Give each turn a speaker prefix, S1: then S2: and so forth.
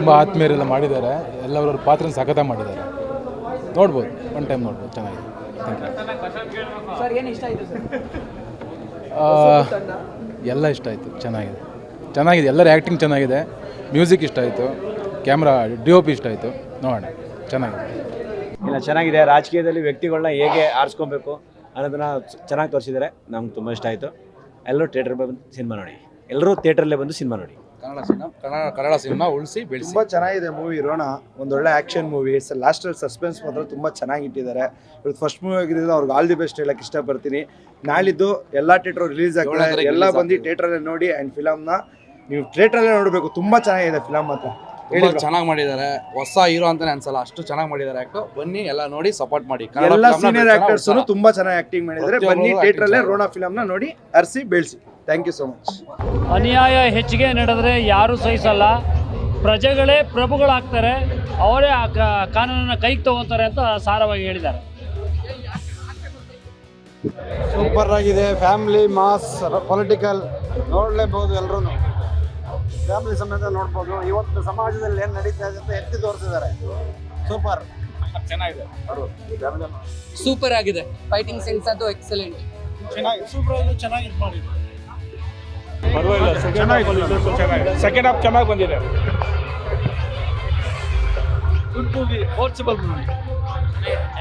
S1: ತುಂಬ ಆತ್ಮೀಯರೆಲ್ಲ ಮಾಡಿದ್ದಾರೆ, ಎಲ್ಲರವ್ರ ಪಾತ್ರ ಸಖತ್ತಾಗಿ ಮಾಡಿದ್ದಾರೆ. ನೋಡ್ಬೋದು, ಒನ್ ಟೈಮ್ ನೋಡ್ಬೋದು, ಚೆನ್ನಾಗಿದೆ. Thank you
S2: sir. ಏನು ಇಷ್ಟ ಆಯಿತು ಸರ್?
S1: ಎಲ್ಲ ಇಷ್ಟ ಆಯಿತು, ಚೆನ್ನಾಗಿದೆ, ಎಲ್ಲರ ಆ್ಯಕ್ಟಿಂಗ್ ಚೆನ್ನಾಗಿದೆ, ಮ್ಯೂಸಿಕ್ ಇಷ್ಟ ಆಯಿತು, ಕ್ಯಾಮ್ರಾ DOP ಇಷ್ಟ ಆಯಿತು. ನೋಡೋಣ, ಚೆನ್ನಾಗಿದೆ.
S3: ಇಲ್ಲ, ಚೆನ್ನಾಗಿದೆ. ರಾಜಕೀಯದಲ್ಲಿ ವ್ಯಕ್ತಿಗಳನ್ನ ಹೇಗೆ ಆರಿಸ್ಕೊಬೇಕು ಅನ್ನೋದನ್ನ ಚೆನ್ನಾಗಿ ತೋರಿಸಿದ್ದಾರೆ. ನಮ್ಗೆ ತುಂಬ ಇಷ್ಟ ಆಯಿತು. ಎಲ್ಲರೂ ಥಿಯೇಟರ್ ಬಂದು ಸಿನಿಮಾ ನೋಡಿ, ಎಲ್ಲರೂ ಥಿಯೇಟ್ರಲ್ಲೇ ಬಂದು ಸಿನಿಮಾ ನೋಡಿ.
S1: ಕನ್ನಡ ಸಿನಿಮಾ ಉಳಿಸಿ ಬೆಳೆಸಿ.
S4: ತುಂಬ ಚೆನ್ನಾಗಿದೆ ಮೂವಿ. ರೋಣ ಒಂದೊಳ್ಳೆ ಆ್ಯಕ್ಷನ್ ಮೂವಿ. ಲಾಸ್ಟಲ್ಲಿ ಸಸ್ಪೆನ್ಸ್ ಮಾತ್ರ ತುಂಬ ಚೆನ್ನಾಗಿ ಇಟ್ಟಿದ್ದಾರೆ. ಇವತ್ತು ಫಸ್ಟ್ ಮೂವಿ ಆಗಿದ್ದರಿಂದ ಅವ್ರಿಗೆ ಆಲ್ ದಿ ಬೆಸ್ಟ್ ಹೇಳಕ್ಕೆ ಇಷ್ಟಪಡ್ತೀನಿ. ನಾಳಿದ್ದು ಎಲ್ಲ ಥಿಯೇಟ್ರ್ ರಿಲೀಸ್ ಆಗ್ತದೆ, ಎಲ್ಲ ಬಂದು ಥಿಯೇಟ್ರಲ್ಲೇ ನೋಡಿ. ಆ್ಯಂಡ್ ಫಿಲಮ್ನ ನೀವು ಥಿಯೇಟ್ರಲ್ಲೇ ನೋಡಬೇಕು. ತುಂಬ ಚೆನ್ನಾಗಿದೆ ಫಿಲಮ್ ಮಾತ್ರ.
S5: ಚೆನ್ನಾಗಿ ಮಾಡಿದ್ದಾರೆ. ಹೊಸ ಹೀರೋ ಅಂತಾನೆ ಅನ್ಸಲ್ಲ, ಅಷ್ಟು ಚೆನ್ನಾಗಿ ಮಾಡಿದ್ದಾರೆ. ಆಕ್ಟರ್ ಬನ್ನಿ, ಎಲ್ಲ ನೋಡಿ ಸಪೋರ್ಟ್ ಮಾಡಿ.
S4: ಎಲ್ಲ ಸೀನಿಯರ್ ಆಕ್ಟರ್ಸ್ ತುಂಬಾ ಚೆನ್ನಾಗಿ ಆಕ್ಟಿಂಗ್ ಮಾಡಿದ್ದಾರೆ. ಬನ್ನಿ ಥಿಯೇಟ್ರಲ್ಲೇ ರೋಣ ಫಿಲಮ್ನ ನೋಡಿ, ಅರ್ಸಿ ಬೆಳೆಸಿ. Thank you so much.
S6: ಅನ್ಯಾಯ ಹೆಚ್ಚಿಗೆ ನಡೆದ್ರೆ ಯಾರೂ ಸಹಿಸಲ್ಲ. ಪ್ರಜೆಗಳೇ ಪ್ರಭುಗಳಾಗ್ತಾರೆ, ಅವರೇ ಆ ಕಾನೂನನ್ನು ಕೈಗೆ ತಗೋತಾರೆ ಅಂತ ಸಾರವಾಗಿ ಹೇಳಿದ್ದಾರೆ.
S7: ಸೂಪರ್ ಆಗಿದೆ. ಫ್ಯಾಮಿಲಿ ಮಾಸ್ ಪೊಲಿಟಿಕಲ್ ನೋಡಲೇಬಹುದು. ಎಲ್ಲರೂ ಫ್ಯಾಮಿಲಿ ಸಮೇತ ನೋಡ್ಬೋದು. ಇವತ್ತು ಸಮಾಜದಲ್ಲಿ ಏನು ನಡೀತಾ ಇದೆ ಅಂತ ಎತ್ತಿ ತೋರಿಸಿದ್ದಾರೆ. ಸೂಪರ್,
S5: ಚೆನ್ನಾಗಿದೆ.
S2: ಸೂಪರ್ ಆಗಿದೆ. ಫೈಟಿಂಗ್ ಸೆನ್ಸ್ ಅದು ಎಕ್ಸಲೆಂಟ್.
S7: ಚೆನ್ನಾಗಿ ಸೂಪರ್ ಆಗಿದೆ. ಚೆನ್ನಾಗಿ ಇದು ಮಾಡಿದ್ರು.
S5: ಚೆನ್ನಾಗಿದೆ. ಸೆಕೆಂಡ್ ಹಾಫ್ ಚೆನ್ನಾಗಿ ಬಂದಿದೆ.
S6: Good movie, forcible movie.